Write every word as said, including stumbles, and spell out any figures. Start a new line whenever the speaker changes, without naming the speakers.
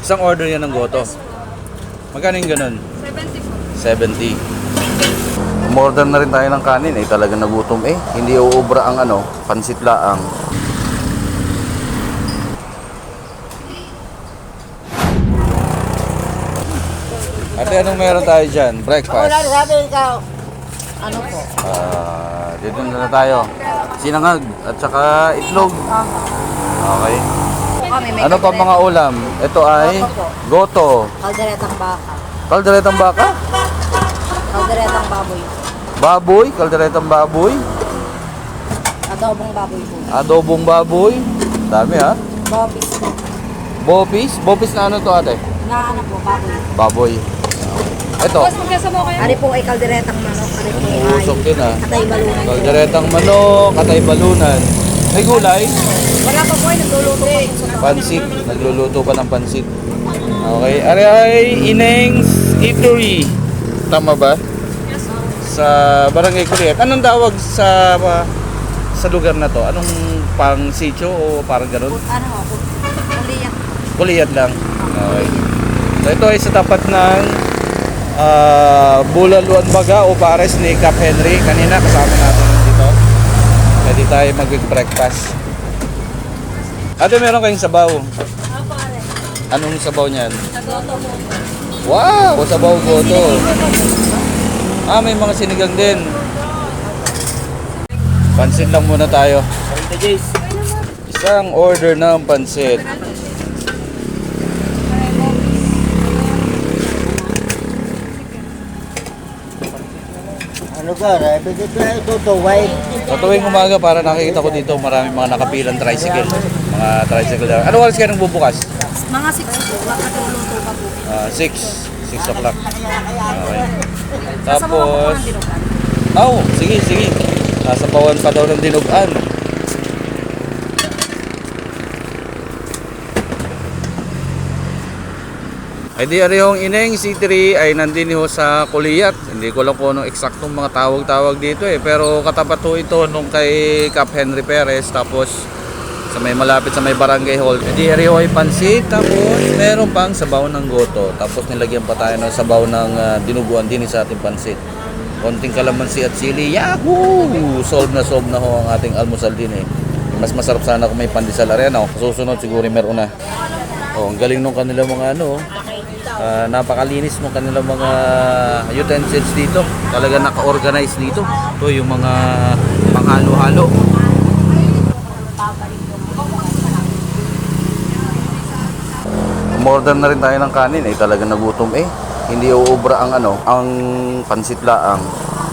Isang order yan ng goto. Magkano yung ganun?
seventy po.
seventy. Umorder na rin tayo ng kanin eh, talaga nagutom eh. Hindi uubra ang ano, pansit laang. Ate, anong meron tayo dyan? Breakfast.
Wala, sabi ikaw. Ano po?
Ah, dito na tayo. Sinangag at saka itlog. Okay.
Kami may
Ano pa mga ulam? Ito ay goto.
kalderetang baka.
Kalderetang baka?
Kalderetang baboy.
Baboy, kalderetang baboy.
Adobong baboy po.
Adobong baboy. Dami ha.
Bopis po.
Bopis? Bopis na ano to ate?
Na ano po, baboy.
Baboy. Ito.
Boss, magkasa mo kayo?
Ari po ay kalderetang manok. Ari po ay
Usok din ha.
atay balunan.
Kalderetang manok, katay balunan. May gulay.
Wala pa po ay nagluluto pa po sa
Pansit. Nagluluto pa ng pansit. Okay. Ari ay Ineng's Eatery. Tama ba?
Yes, sir.
Sa Barangay Kuliat. Anong tawag sa uh, sa lugar na to? Anong pang sitio o parang ganun?
Ano po? Kuliyak.
Kuliat lang. Okay. So ito ay sa tapat ng uh, Bulaluan Baga o Pares ni Cap Henry. Kanina kasama natin dito. Pwede tayo mag-breakfast. Ate, meron kayong sabaw.
Apo, are.
Anong sabaw niyan?
Nagoto mo.
Wow! Sabaw goto. Ah, may mga sinigang din. Pansit lang muna tayo. Isang order ng pansit.
Ano ba? Pwede ko na ito to white.
Sa tuwing umaga, para nakikita ko dito maraming mga nakapilang tricycle. Mga tricycle lang. Ano oras kayo nang bubukas?
Mga six po. Nakatuluto pa po.
Ah, six. six o'clock. Okay.
Sasabawan ko po
Tapos,
ng dinugan.
oh, sige, sige. Sasabawan pa daw ng dinugan. Ay di ari yung Ineng C three ay nandini ho sa Kuliat. Hindi ko lang kung anong eksaktong mga tawag-tawag dito eh. Pero katapat ho ito nung kay Cap Henry Perez. Tapos sa may malapit sa may barangay hall. Ay di ari ho ay pansit. Tapos meron pang sabaw ng goto. Tapos nilagyan pa tayo ng sabaw ng uh, dinuguan din sa ating pansit. Konting kalamansi at sili. Yahoo! Solve na solve na ho ang ating almusal din eh. Mas masarap sana kung may pandesal arena. Susunod siguro meron na. Oh, ang galing nung kanila mga ano. Uh, napakalinis ng kanilang mga utensils dito. Talaga naka-organize dito. Ito yung mga panghalo-halo. Umorder na rin tayo ng kanin eh. Talaga nagutom eh. Hindi uubra ang ano, ang pansit laang.